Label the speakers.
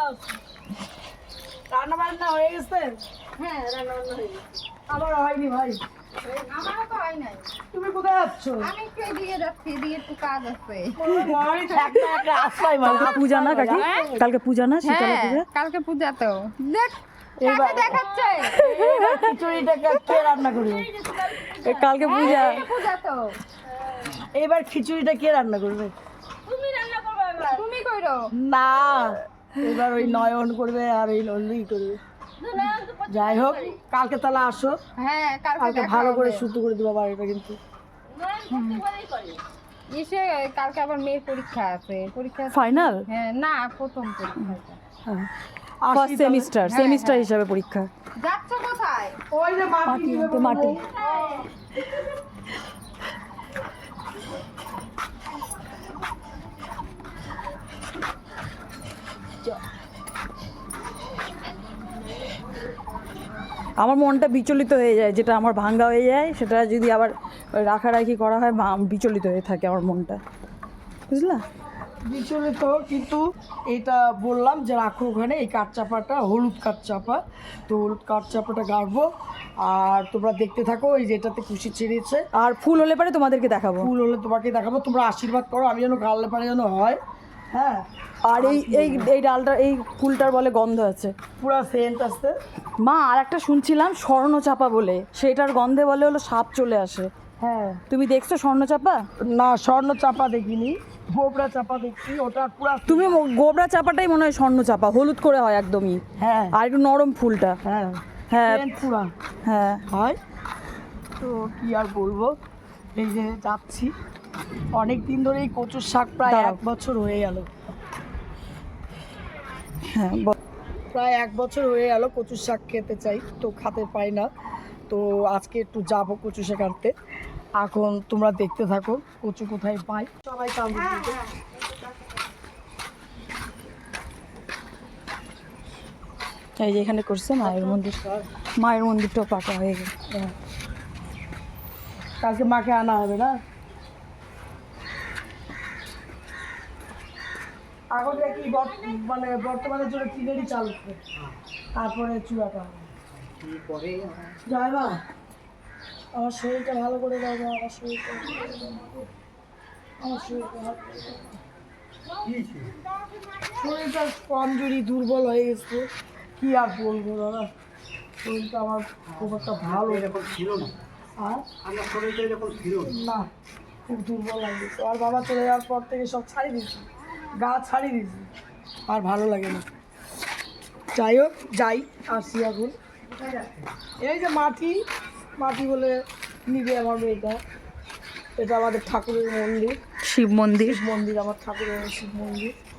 Speaker 1: রান্না বান্না হয়ে গেছে?
Speaker 2: হ্যাঁ রান্না বান্না হয়ে গেছে।
Speaker 1: আমার হয়নি ভাই।
Speaker 2: আমারও তো হয় নাই।
Speaker 1: তুমি কোথায় যাচ্ছ?
Speaker 2: আমি একটু এদিকে যাচ্ছি, এদিকে একটু কাজ আছে।
Speaker 3: কালকে পূজা না কাকি? কালকে পূজা না, শীতলা পূজা?
Speaker 2: কালকে পূজা তো। দেখ
Speaker 1: এবার
Speaker 2: দেখাচ্ছে।
Speaker 1: খিচুড়িটা কে রান্না করবে?
Speaker 3: কালকে পূজা।
Speaker 2: পূজা তো।
Speaker 1: এবার খিচুড়িটা কে রান্না করবে?
Speaker 2: তুমি রান্না করবে এবার। তুমি কইরো।
Speaker 1: না, এবার ওই নয়ন করবে আর ওই নন্দী করবে। যাই হোক, কালকে তাহলে আসো।
Speaker 2: হ্যাঁ
Speaker 1: কালকে ভালো করে শুদ্ধ করে দেবো বাড়িটা কিন্তু।
Speaker 2: ইসে কালকে আবার মেয়ের পরীক্ষা আছে। পরীক্ষা
Speaker 3: ফাইনাল?
Speaker 2: হ্যাঁ না, প্রথম পরীক্ষা।
Speaker 3: ফার্স্ট সেমিস্টার হিসাবে পরীক্ষা।
Speaker 2: যাচ্ছ কোথায়?
Speaker 1: ওই যে মাটি
Speaker 3: মাটি। আমার মনটা বিচলিত হয়ে যায়, যেটা আমার ভাঙ্গা হয়ে যায় সেটা যদি আবার রাখারাখি করা হয় বিচলিত হয়ে থাকে আমার মনটা, বুঝলা?
Speaker 1: বিচলিত, কিন্তু এটা বললাম যে রাখো ওখানে এই কাঠচাপাটা, হলুদ কাঠচাপা। তো হলুদ কাঠচাপাটা গাড়বো আর তোমরা দেখতে থাকো। এই যেটাতে খুশি ছেড়েছে,
Speaker 3: আর ফুল হলে পরে তোমাদেরকে দেখাবো।
Speaker 1: ফুল হলে তোমাকে দেখাবো। তোমরা আশীর্বাদ করো, আমি যেন গাড়লে পারে যেন হয়। হ্যাঁ,
Speaker 3: আর এই এই এই ডালটা, এই ফুলটার বলে গন্ধ আছে,
Speaker 1: পুরা সেন্ট আসতে।
Speaker 3: মা আর একটা শুনছিলাম স্বর্ণচাপা বলে, সেটার গন্ধে বলে হলো সাপ চলে আসে।
Speaker 1: হ্যাঁ,
Speaker 3: তুমি দেখছো স্বর্ণচাপা?
Speaker 1: না স্বর্ণ চাপা দেখিনি, গোবরা চাপা দেখছি। ওটা পুরা
Speaker 3: তুমি গোবরা চাপাটাই মনে হয় স্বর্ণচাপা, হলুদ করে হয় একদমই।
Speaker 1: হ্যাঁ
Speaker 3: আর একটু নরম ফুলটা।
Speaker 1: হ্যাঁ
Speaker 3: হ্যাঁ
Speaker 1: সেন্ট পুরা
Speaker 3: হ্যাঁ।
Speaker 1: হয়। তো কি আর বলবো, এই যে যাচ্ছি। অনেক দিন ধরে এই কচুর শাক, প্রায়
Speaker 3: দাঁড়াও।
Speaker 1: 1 বছর হয়ে গেল।
Speaker 3: হ্যাঁ
Speaker 1: প্রায় 1 বছর হয়ে গেল কচুর শাক খেতে চাই, তো খেতে পাই না। তো আজকে একটু যাবো কচু শাক আনতে। এখন তোমরা দেখতে থাকো কচু কোথায় পাই। সবাই কামড় দিতে।
Speaker 3: এই যে এখানে করছে মায়ের মন্দির, মায়ের মন্দিরটাও পাকা হয়ে গেছে।
Speaker 1: হ্যাঁ। কালকে মাকে আনা হবে না? এখন দেখি মানে বর্তমানের জন্য টিনেরই চাল উঠবে, তারপরে চূড়াটা হবে। জয় মা, আমার শরীরটা ভালো করে দাও মা, আমার শরীরটা ভালো করে দাও। শরীরটা কমজোরি, দুর্বল হয়ে গেছে। কি আর বলবো দাদা, শরীরটা আমার খুব একটা ভালো
Speaker 4: এরকম ছিল না,
Speaker 1: আর
Speaker 4: আমার শরীরটা এরকম ছিল না।
Speaker 1: না, খুব দুর্বল লাগে গেছে। আর বাবা চলে যাওয়ার পর থেকে সব ছাড়িয়ে দিয়েছি, গা ছাড়িয়ে দিয়েছি, আর ভালো লাগে না। যাই হোক, যাই আসি এখন। এই যে মাটি বলে নিবে আমার মেয়েটা। এটা আমাদের ঠাকুরের মন্দির,
Speaker 3: শিব মন্দির।
Speaker 1: শিব মন্দির, আমার ঠাকুরের শিব মন্দির।